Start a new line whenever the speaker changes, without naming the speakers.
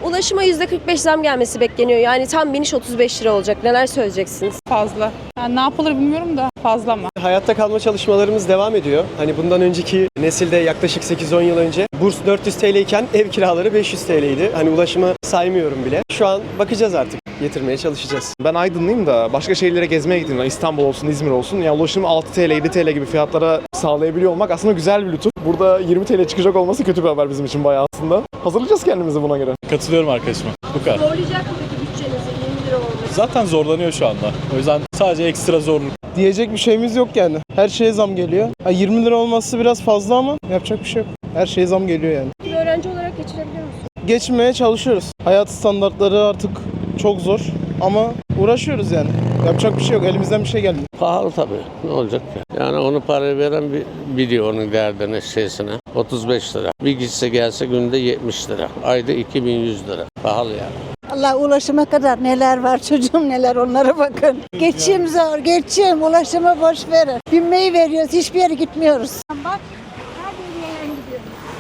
Ulaşıma %45 zam gelmesi bekleniyor. Yani tam biniş 35 lira olacak. Neler söyleyeceksiniz?
Fazla. Yani ne yapılır bilmiyorum da fazla mı?
Hayatta kalma çalışmalarımız devam ediyor. Hani bundan önceki nesilde yaklaşık 8-10 yıl önce burs 400 TL iken ev kiraları 500 TL'ydi. Hani ulaşımı saymıyorum bile. Şu an bakacağız artık. Getirmeye çalışacağız.
Ben Aydınlıyım da başka şehirlere gezmeye gittim. İstanbul olsun, İzmir olsun. Yani ulaşım 6 TL, 7 TL gibi fiyatlara sağlayabiliyor olmak aslında güzel bir lütuf. Burada 20 TL çıkacak olması kötü bir haber bizim için bayağı aslında. Hazırlayacağız kendimizi buna göre.
Katılıyorum arkadaşıma. Bu kadar.
Zorlayacak mı peki bütçenizi 20 lira olması?
Zaten zorlanıyor şu anda. O yüzden sadece ekstra zorluk.
Diyecek bir şeyimiz yok yani. Her şeye zam geliyor. 20 lira olması biraz fazla ama yapacak bir şey yok. Her şeye zam geliyor yani.
Bir öğrenci olarak geçirebiliyor musun?
Geçmeye çalışıyoruz. Hayat standartları artık çok zor ama uğraşıyoruz yani. Yapacak bir şey yok. Elimizden bir şey gelmiyor.
Pahalı tabii. Ne olacak ki? Yani onu parayı veren biliyor onun derdini, şeysine. 35 lira. Bir gitse gelse günde 70 lira. Ayda 2100 lira. Pahalı yani.
Allah ulaşıma kadar neler var çocuğum neler onlara bakın. Geçim zor, geçim ulaşıma boş verin. Binmeyi veriyoruz, hiçbir yere gitmiyoruz. Bak, her yere gidiyoruz.